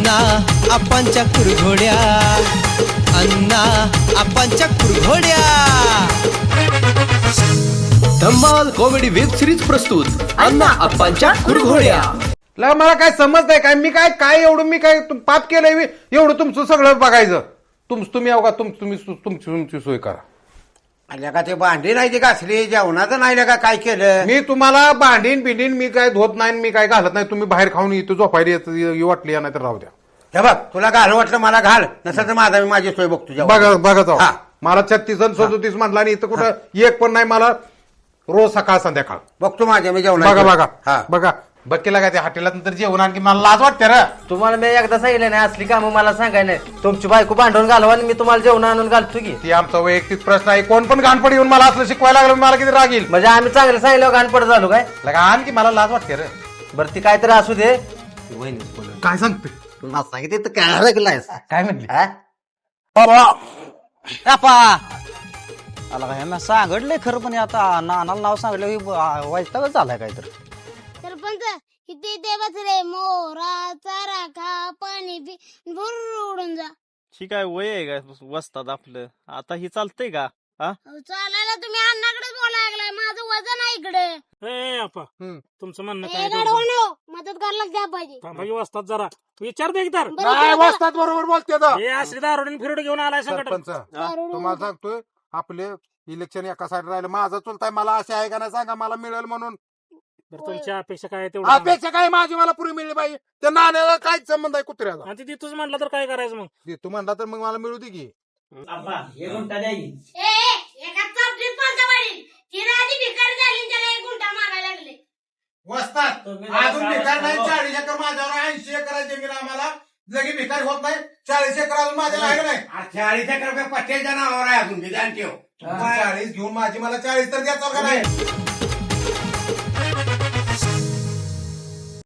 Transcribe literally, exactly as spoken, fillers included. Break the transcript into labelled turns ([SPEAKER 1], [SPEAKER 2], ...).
[SPEAKER 1] अण्णा आपांच्या कुरघोड्या, अण्णा आपांच्या कुरघोड्या. धम्माल कॉमेडी वेब सिरीज प्रस्तुत अण्णा आपांच्या कुरघोड्या.
[SPEAKER 2] ला मला काय समज नाही काय मी काय काय एवढं मी काय तुम- पाप केलंय मी एवढं तुमचं सगळं बघायचं. तुम तुम्ही अवघा तुम तुम्ही तुमची तुमची सोय करा.
[SPEAKER 3] आल्या का ते भांडी नाही ती घासली जेवणाचं नाही का काय केलं.
[SPEAKER 2] मी तुम्हाला भांडीन बिंडीन मी काय धुत नाही मी काय घालत नाही. तुम्ही बाहेर खाऊन इथं झोपायला येत ये- वाटली नाही तर राहू द्या.
[SPEAKER 3] हे बघ तुला घाल वाटलं मला घाल नसेल तर माझा मी माझी सोय बघतो जेवण.
[SPEAKER 2] बघा बघा जाऊ.
[SPEAKER 3] हा.
[SPEAKER 2] मला छत्तीस आणि सदोतीस म्हटला आणि इथं कुठं एक पण नाही. मला रोज सकाळ संध्याकाळ
[SPEAKER 3] बघतो माझ्या मी जेवण
[SPEAKER 2] बघा बघा
[SPEAKER 3] हा
[SPEAKER 2] बघा बघ काय ते हॉटेलात नंतर जेवण आणखी मला लाज वाटते रे.
[SPEAKER 4] तुम्हाला मी एकदा सांगितलं नाही असली कामं मला सांगाय नाही. तुमची बायको भांडवून घालवा आणि मी तुम्हाला जेवण आणून घालतो की.
[SPEAKER 2] ती आमचा वैयक्तिक प्रश्न आहे. कोण पण घाणपड येऊन मला असलं शिकवायला लागलं मला किती राग येईल.
[SPEAKER 4] म्हणजे आम्ही चांगलं सांगितलं घाणपड झालो काय.
[SPEAKER 2] लगा आणखी मला लाज वाटते रे.
[SPEAKER 4] बरं ती काहीतरी असू दे. वहिनीच बोलत.
[SPEAKER 2] काय सांगते
[SPEAKER 3] तुला सांगितलं तर काय लागलाय
[SPEAKER 2] काय म्हणली
[SPEAKER 5] आला का ह्यांना सांगितलंय खरं पण आता नानाला नाव सांगितलं वाईटच झालाय काय तर.
[SPEAKER 6] सरपंच इथे ते बस रे मोराचा राखा पाणी पी भुर्र उडून जा.
[SPEAKER 7] ठीक आहे वय आहे का वसतात आपलं आता ही चालतंय का. हा
[SPEAKER 6] अहो, चालायला तुम्ही अण्णाकडेच बोलायला लागलाय माझं वजन आहे इकडे.
[SPEAKER 8] ए आपा
[SPEAKER 2] हम्म.
[SPEAKER 8] तुमचं म्हणणं
[SPEAKER 6] ए
[SPEAKER 8] काय
[SPEAKER 6] गाढवानो, मदत करायला द्या पाहिजे.
[SPEAKER 8] थांबाई वाजतात जरा विचार दे तर
[SPEAKER 6] बरं,
[SPEAKER 2] काय
[SPEAKER 6] बरं,
[SPEAKER 2] वाजतात बरोबर बोलते आता.
[SPEAKER 8] हे असले दारोडीन फिरोड घेऊन आलाय संकट.
[SPEAKER 2] सरपंच
[SPEAKER 6] दारू
[SPEAKER 2] तुम्हाला सांगतोय आपले इलेक्शन एका साईड राहिलं माझं चुलताय मला असे आहे का नाही सांगा मला मिळेल म्हणून.
[SPEAKER 8] बरं, तुमच्या अपेक्षा काय आहे तेवढं सांगा.
[SPEAKER 2] अपेक्षा काय माझी मला पुरी मिळली पाहिजे. त्या नाण्याला काय संबंध आहे कुत्र्याचा.
[SPEAKER 8] आणि ती तूच म्हटलं तर काय करायचं मग.
[SPEAKER 2] ते तू म्हणला तर मग मला मिळू दे की.
[SPEAKER 6] ए, ए, एका चापलीत पालथा पाडील. ती राजी भिकारी झाली आणि त्याला एक गुंठा मागायला लागले.
[SPEAKER 2] वसतात अजून भिकार नाही. चाळीस एकर माझ्यावर ऐंशी एकर जमीन आम्हाला लगे भिकारी होत नाही. चाळीस एकर अजून माझ्या राहिलं नाही.
[SPEAKER 3] चाळीस एकर पट्ट्याच्या नावावर आहे अजून विधान ठेव.
[SPEAKER 2] चाळीस घेऊन माझी मला चाळीस तर द्यायचं का नाही.